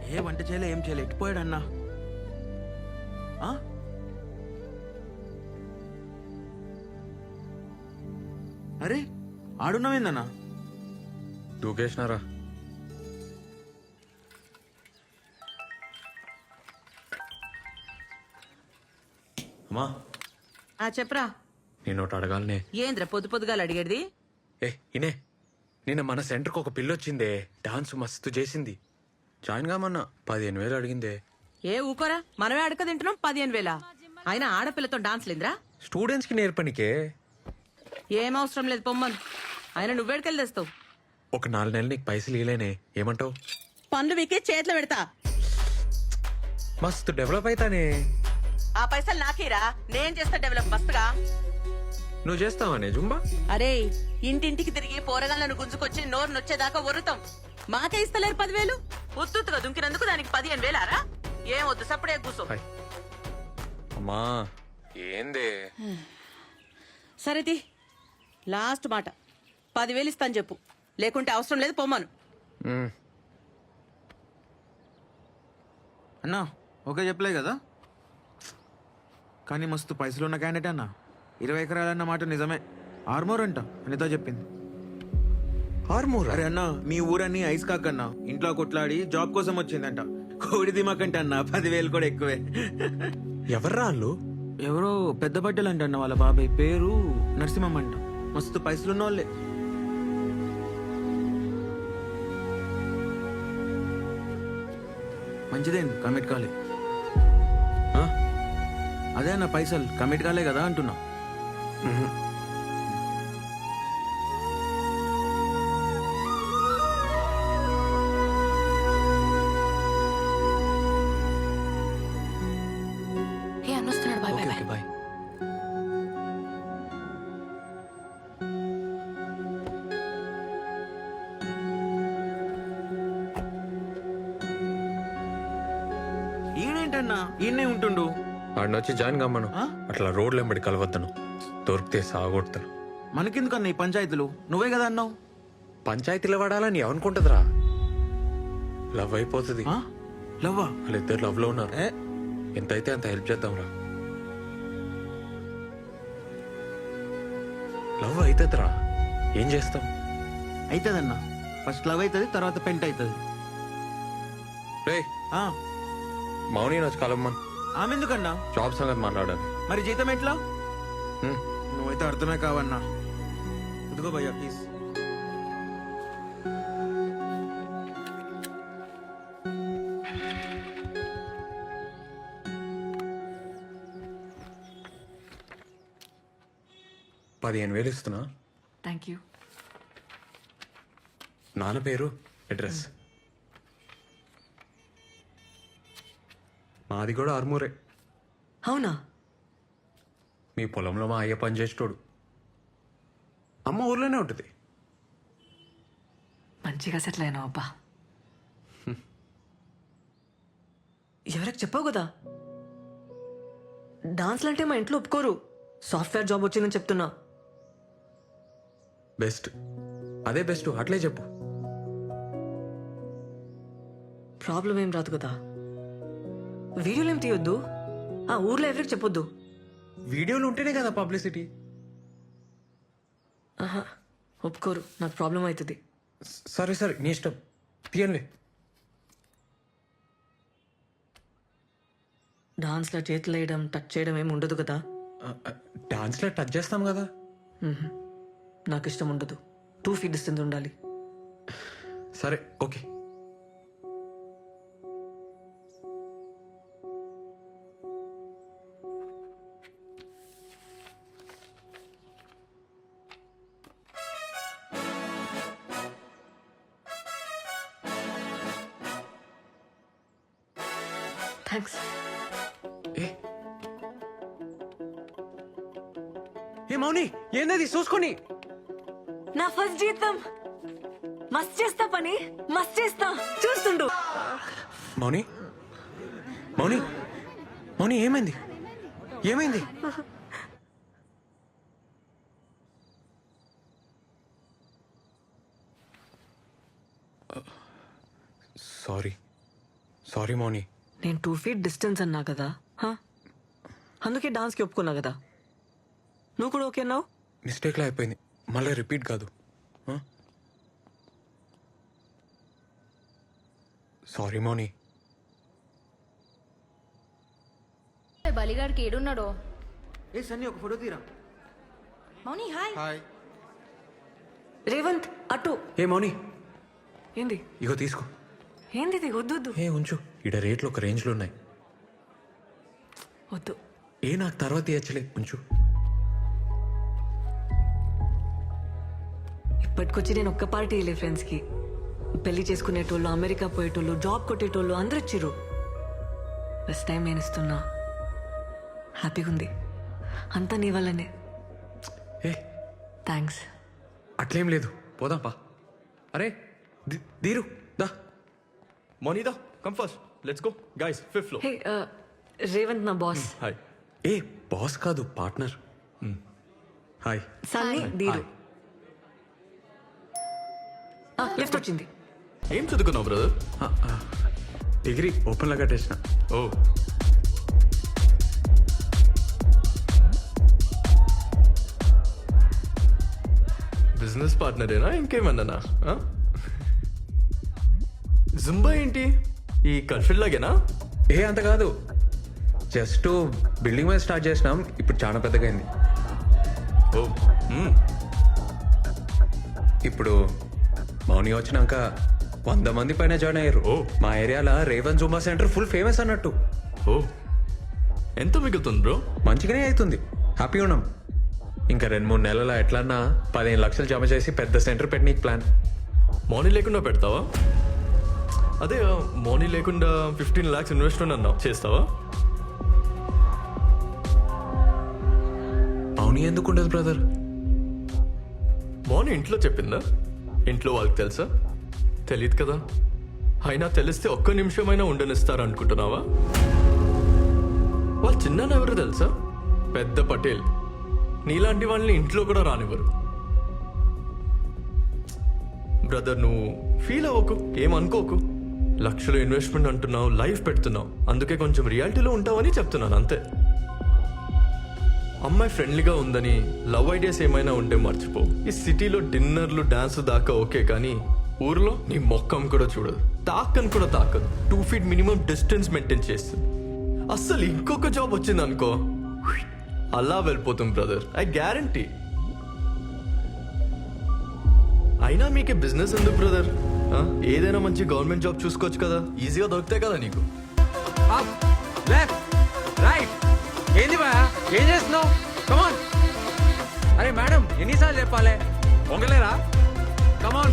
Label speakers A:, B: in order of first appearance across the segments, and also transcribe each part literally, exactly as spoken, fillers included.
A: ఏ వంట చేయలే, ఏం చేయలే, ఎట్టిపోయాడు అన్నా? ఆ? అరే ఆడున్నావేందన్నా?
B: దూకేసినారా? అమ్మా
C: ఆ చెప్పరా.
B: నేను ఒకటి అడగాలనే.
C: ఏంద్ర పొద్దు పొద్దుగాల అడిగేది?
B: ఏ ఇనే, నిన్న మన సెంటర్కి ఒక పిల్ల వచ్చిందే, డాన్స్ మస్తు చేసింది. జాయిన్ కామన్నా పదిహేను వేలు అడిగిందే.
C: ఏ ఊకోరా, మనమే అడక తింటున్నాం పదిహేను వేల. అయినా ఆడపిల్లతో డాన్స్ లేదురా?
B: స్టూడెంట్స్కి నేర్పనికే.
C: ఏం అవసరం లేదు పొమ్మను. అయినా నువ్వేడికెళ్ళి తెస్తావు?
B: ఒక నాలుగు నెలలు నీకు పైసలు ఇవ్వలేనే, ఏమంటావు?
C: పనులు వీకే చేతిలో పెడతా.
B: మస్తు డెవలప్ అవుతానే.
C: ఆ పైసలు నాకేరా, నేను చేస్తా డెవలప్ మస్తుగా.
B: నువ్వు చేస్తావానే జుంబా?
C: అరే ఇంటింటికి తిరిగి పోరగాళ్ళను గుంజుకొచ్చి నోరు నొచ్చేదాకా ఒరుతాం. మాకే ఇస్తలేరు పదివేలు. ఉత్తుగా దుంకినందుకు దానికి పదిహేను వేలారా? ఏం వద్దు, సప్పుడే కూసో.
B: హాయ్. అమ్మా ఏందే?
C: సరేది లాస్ట్ మాట, పదివేలు ఇస్తాను చెప్పు, లేకుంటే అవసరం లేదు పొమ్మను.
B: మ్,
A: అన్నా ఓకే చెప్పలే కదా, కానీ మస్తు పైసలు ఉన్న క్యాండిడేట్ అన్నా. ఇరవై ఎకరాలన్న మాట నిజమే. ఆర్మోర్ అంట అనితో చెప్పింది.
B: ఆర్మూర్?
A: అరే అన్నా, మీ ఊరన్నీ ఐస్ కాకన్నా ఇంట్లో కొట్లాడి జాబ్ కోసం వచ్చిందంట. కోడి దిమాకంట అన్న, పదివేలు కూడా ఎక్కువే.
B: ఎవర్రా వాళ్ళు?
A: ఎవరో పెద్ద బట్టలు అంట అన్న, వాళ్ళ బాబాయ్ పేరు నరసింహం అంట. మస్తు పైసలున్న వాళ్ళే. మంచిదేం కమిట్ కాలే.
B: ఆ?
A: అదే అన్న, పైసలు కమిట్ కాలే కదా అంటున్నా.
B: మ్హూ.
D: ఏ అన్నొస్తున్నాడు. Bye
B: okay
D: bye
B: okay bye.
A: ఈయనేంటన్నా ఈయనే ఉంటుండు?
B: ఆడిని వచ్చి జాయిన్ కమ్మను.
A: ఆ?
B: అట్లా రోడ్లు ఎంబడి కలవద్దను, దొరికితే సాగొడతాను.
A: మనకెందుకన్నా ఈ పంచాయతీలు? నువ్వే కదా అన్నావు.
B: పంచాయతీలో పడాలని ఎవనుకుంటుందిరా? లవ్ అయిపోతుంది.
A: ఆ? లవ్వా?
B: వాళ్ళిద్దరు లవ్ లో ఉన్నారు.
A: ఏ
B: ఎంతైతే అంత హెల్ప్ చేద్దాంరా. లవ్ అవుతుందిరా, ఏం చేస్తాం?
A: అవుతుందన్నా. ఫస్ట్ లవ్ అవుతుంది, తర్వాత పెంట్ అవుతుంది.
B: రే మౌని వచ్చి కలమ్మన్,
A: ఆమె ఎందుకన్నా?
B: జాబ్ సంగతి మాట్లాడాలి.
A: మరి జీతం ఎట్లా?
B: హ్మ్.
A: నువ్వైతే అర్థమే కావన్నా. ఇదిగో భయ్యా ప్లీజ్.
B: పదిహేను వేలు ఇస్తున్నా.
D: Thank you.
B: నాన్న పేరు, అడ్రస్. మాది కూడా ఆర్మూరే.
D: అవునా?
B: మీ పొలంలో మా అయ్య పని చేసేటోడు. అమ్మ ఊర్లోనే ఉంటుంది.
D: మంచిగా సెటిల్ అయినావు అబ్బా. ఎవరికి చెప్పావు కదా, డాన్స్లు అంటే మా ఇంట్లో ఒప్పుకోరు. సాఫ్ట్వేర్ జాబ్ వచ్చిందని చెప్తున్నా.
B: బెస్ట్, అదే బెస్ట్, అట్లే చెప్పు.
D: ప్రాబ్లం ఏం రాదు కదా. వీడియోలు ఏం తీయొద్దు, ఆ ఊర్లో ఎవరికి చెప్పొద్దు.
B: వీడియోలు ఉంటేనే కదా పబ్లిసిటీ.
D: ఆహా, ఒప్పుకోరు, నాకు ప్రాబ్లం అవుతుంది.
B: సరే సరే నీ ఇష్టం, తీయండి.
D: డాన్స్లో చేతులు వేయడం, టచ్ చేయడం ఏమి ఉండదు కదా.
B: డాన్స్లో టచ్ చేస్తాం కదా.
D: మ్హూ. నాకు ఇష్టం ఉండదు. టూ ఫీట్ డిస్టెన్స్ ఉండాలి.
B: సరే ఓకే.
D: థ్యాంక్స్.
B: ఏ ఏ మౌని, ఏందది చూసుకొని?
D: నా ఫస్ట్ జీతం. మస్త్ చేస్తా పని, మస్త్ చేస్తా, చూస్తుండు.
B: మౌని మౌని మౌని ఏమైంది? ఏమైంది? Sorry sorry Mouni.
D: నేను టూ ఫీట్ డిస్టెన్స్ అన్నా కదా హా? అందుకే డాన్స్కి ఒప్పుకున్నా కదా. నువ్వు కూడా ఓకే అన్నావు.
B: మిస్టేక్లా అయిపోయింది, మళ్ళీ రిపీట్ కాదు. సారీ మౌని.
E: బలిగాడికి ఏడున్నాడో.
A: ఏ సన్నీ ఒక ఫోటో తీరా.
E: మౌని హాయ్.
B: హాయ్.
D: రేవంత్ అటు.
B: ఏ మౌని,
D: ఏంది
B: ఇగో తీసుకో.
D: ఏంది ఇది? వద్దు వద్దు
B: ఏ ఉంచు, ఈడ రేట్లు ఒక రేంజ్లో ఉన్నాయి.
D: వద్దు.
B: ఏ నాకు తర్వాత ఇచ్చలే, ఉంచు.
D: ఇప్పటికొచ్చి నేను ఒక్క పార్టీ వెళ్ళే ఫ్రెండ్స్కి. పెళ్లి చేసుకునేటోళ్ళు, అమెరికా పోయేటోళ్ళు, జాబ్ కొట్టేటోళ్ళు అందరూ ఇచ్చిర్రు. ఫస్ట్ టైం నేను ఇస్తున్నా. హ్యాపీగా ఉంది. అంతా నీ వల్లనే.
B: ఏ
D: థ్యాంక్స్.
B: అట్లేం లేదు, పోదాం పా. అరే ది- దీరు దా.
F: Monida, come first. Let's go. Guys, fifth floor.
D: Hey Revanth నా బాస్.
F: Hi.
B: ఏ బాస్ కాదు, partner. Hi.
D: Sunny Dheeru. Lift వచ్చింది.
F: ఏం చదువుకున్నావు బ్రదర్?
B: డిగ్రీ ఓపెన్లో కట్టేసిన.
F: ఓ బిజినెస్ పార్ట్నరేనా ఇంకేమన్నానా? జుంబా ఏంటి ఈ కల్ఫిల్ లాగేనా?
B: ఏ అంత కాదు, జస్ట్ బిల్డింగ్ మీద స్టార్ట్ చేసినాం, ఇప్పుడు చాలా పెద్దగా అయింది.
F: ఓ మ్మ్.
B: ఇప్పుడు మౌని వచ్చినాక వంద మంది పైన జాయిన్ అయ్యారు.
F: ఓ.
B: మా ఏరియాలో Revan zumba centre full famous అన్నట్టు.
F: ఓ ఎంత మిగులుతుంది బ్రో?
B: మంచిగానే అవుతుంది, హ్యాపీ ఉన్నాం. ఇంకా రెండు మూడు నెలల ఎట్లన్నా పదిహేను లక్షలు జమ చేసి పెద్ద సెంటర్ పెట్టనీకి ప్లాన్.
F: మౌనీ లేకుండా పెడతావా? అదే మౌనీ లేకుండా ఫిఫ్టీన్ లాక్స్ ఇన్వెస్ట్మెంట్ అన్నావు, చేస్తావా?
B: మౌని ఎందుకు ఉండదు బ్రదర్?
F: మౌని ఇంట్లో చెప్పిందా? ఇంట్లో వాళ్ళకి తెలుసా? తెలియదు కదా. అయినా తెలిస్తే ఒక్క నిమిషమైనా ఉండనిస్తారు అనుకుంటున్నావా? వాళ్ళ చిన్న ఎవరు తెలుసా? పెద్ద పటేల్. నీలాంటి వాళ్ళని ఇంట్లో కూడా రానివ్వరు. బ్రదర్ నువ్వు ఫీల్ అవ్వకు, ఏమనుకోకు. లక్షలు ఇన్వెస్ట్మెంట్ అంటున్నావు, లైఫ్ పెడుతున్నావు, అందుకే కొంచెం రియాలిటీలో ఉంటావని చెప్తున్నాను అంతే. అమ్మాయి ఫ్రెండ్లీగా ఉందని లవ్ ఐడియాస్ ఏమైనా ఉంటే మర్చిపో. ఈ సిటీలో డిన్నర్లు డాన్స్ దాకా ఓకే, కానీ ఊర్లో నీ మొక్కం కూడా చూడదు, తాకని కూడా తాకదు. Two feet minimum distance maintain చేస్తుంది. అస్సలు ఇంకొక జాబ్ వచ్చింది అనుకో, అలా వెళ్ళిపోతుంది బ్రదర్, ఐ గ్యారంటీ. అయినా మీకే బిజినెస్ ఎందుకు బ్రదర్? ఏదైనా మంచి గవర్నమెంట్ జాబ్ చూసుకోవచ్చు కదా, ఈజీగా దొరుకుతాయి కదా నీకు.
B: రైట్. ఏంది బా, ఏం చేస్తున్నావు? కమాన్. అరే మేడం ఎన్నిసార్లు చెప్పాలి, పొంగలేరా? కమాన్.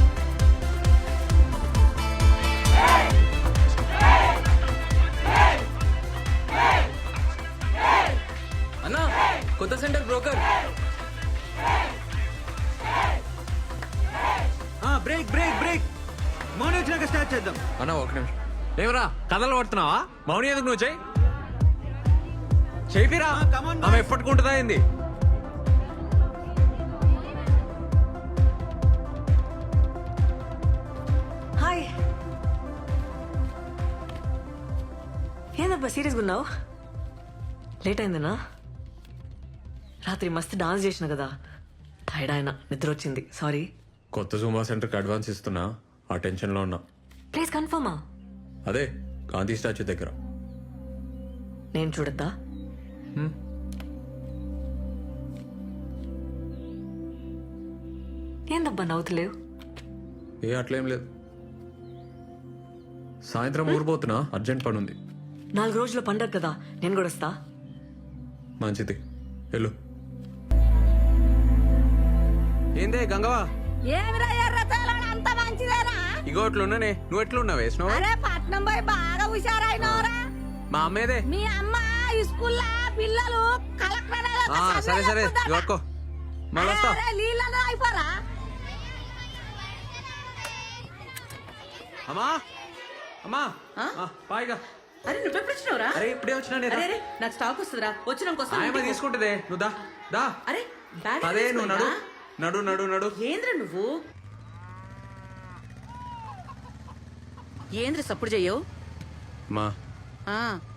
G: అన్నా కొత్త centre broker.
A: Break break break. Mouni వచ్చినాక స్టార్ట్ చేద్దాం.
B: అన్న ఒక నిమిషం. ఏమరా కథలు పడుతున్నావా? మౌని ఎందుకు నువ్వు చెయ్యి చేపిరా.
A: ఆ, come on, boys.
B: ఆమె ఎప్పటికుంటుందా ఏంది?
D: హాయ్. ఏందబ్బా సీరియస్గా ఉన్నావు? లేట్ అయిందనా? రాత్రి మస్తు డాన్స్ చేసిన కదా, టైర్డ్ ఆయన, నిద్ర వచ్చింది, సారీ.
B: కొత్త జూమా సెంటర్కి అడ్వాన్స్ ఇస్తున్నా, ఆ టెన్షన్లో ఉన్నా.
D: ప్లీజ్ కన్ఫర్మా?
B: అదే గాంధీ స్టాచ్యూ దగ్గర.
D: నేను చూడద్దా? ఏందబ్బా నవ్వుతలేవు?
B: ఏ అట్లేం లేదు. సాయంత్రం ఊరిపోతున్నా, అర్జెంట్ పని ఉంది.
D: నాలుగు రోజుల పండగ కదా, నేను కూడా వస్తా.
B: మంచిది, వెళ్ళు. ఏందే గంగవా?
H: ఏమిరా ఎర్రచాలని అంత మంచిదేనా?
B: ఇగో అట్లున్నానే, నువ్వు ఎట్లున్నావు? వేసినావా?
H: అరే పట్నం పోయి బాగా హుషారైనవరా.
B: మా అమ్మేదే.
H: మీ అమ్మ ఈ స్కూల్లో పిల్లలు కలెక్టర్
B: ఆ, సరే సరే ఇవ్వకో, మళ్ళీ వస్తా.
H: నీళ్ళలో అయిపోరా.
B: అమ్మా అమ్మా
C: ఆ?
B: ఆ, పాయిగా.
C: అరే నువ్వు ఎప్పుడు వచ్చినావురా?
B: అరే ఇప్పుడే వచ్చినా నేను.
C: అరే అరే నాకు స్టాక్ వస్తుందిరా, వచ్చినాక వస్తా.
B: ఆయమ్మ తీసుకుంటుందే, నువ్వు దా దా.
C: అరే బ్యాగ్
B: అదే నువ్వు నడు
C: తీసుకురా.
B: నడు నడు నడు.
C: ఏంద్ర నువ్వు ఏంద్ర సప్పుడు చెయ్యవు?
B: మా
C: ఆ